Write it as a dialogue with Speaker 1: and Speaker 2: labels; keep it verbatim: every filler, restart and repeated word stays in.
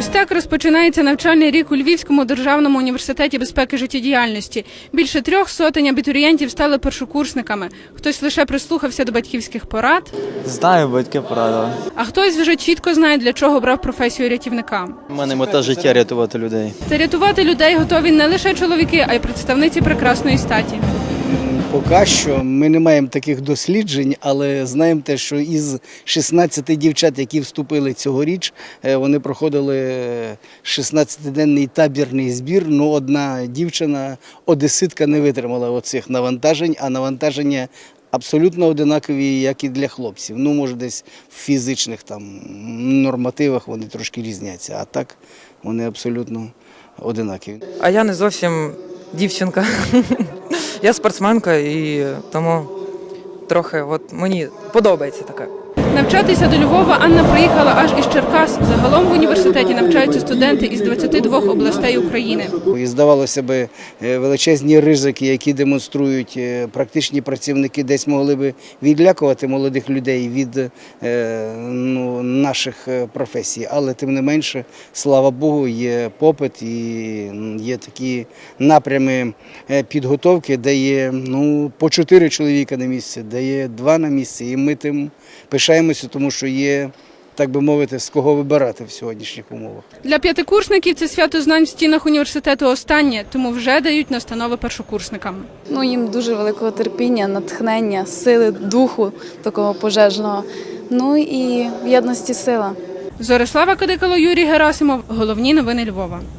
Speaker 1: так розпочинається навчальний рік у Львівському державному університеті безпеки життєдіяльності. Більше трьох сотень абітурієнтів стали першокурсниками. Хтось лише прислухався до батьківських порад.
Speaker 2: Знаю, батьки порадили.
Speaker 1: А хтось вже чітко знає, для чого обрав професію рятівника.
Speaker 2: У мене мета життя – рятувати людей.
Speaker 1: Та рятувати людей готові не лише чоловіки, а й представниці прекрасної статі.
Speaker 3: Поки що ми не маємо таких досліджень, але знаємо те, що із шістнадцяти дівчат, які вступили цьогоріч, вони проходили шістнадцятиденний табірний збір, але одна дівчина, одеситка, не витримала оцих навантажень, а навантаження абсолютно одинакові, як і для хлопців. Ну, може, десь в фізичних там нормативах вони трошки різняться, а так вони абсолютно одинакові.
Speaker 4: А я не зовсім дівчинка. Я спортсменка і тому трохи от мені подобається таке.
Speaker 1: Навчатися до Львова Анна приїхала аж із Черкас. Загалом в університеті навчаються студенти із двадцяти двох областей України.
Speaker 3: І здавалося б, величезні ризики, які демонструють практичні працівники, десь могли б відлякувати молодих людей від ну, наших професій. Але тим не менше, слава Богу, є попит і є такі напрями підготовки, де є ну, по чотири чоловіка на місці, де є два на місці. І ми тим пишаємося, тому що є, так би мовити, з кого вибирати в сьогоднішніх умовах.
Speaker 1: Для п'ятикурсників це свято знань в стінах університету останнє, тому вже дають настанови першокурсникам.
Speaker 5: Ну, їм дуже великого терпіння, натхнення, сили, духу такого пожежного, ну і в єдності сила.
Speaker 1: Зорислава Кадикало, Юрій Герасимов. Головні новини Львова.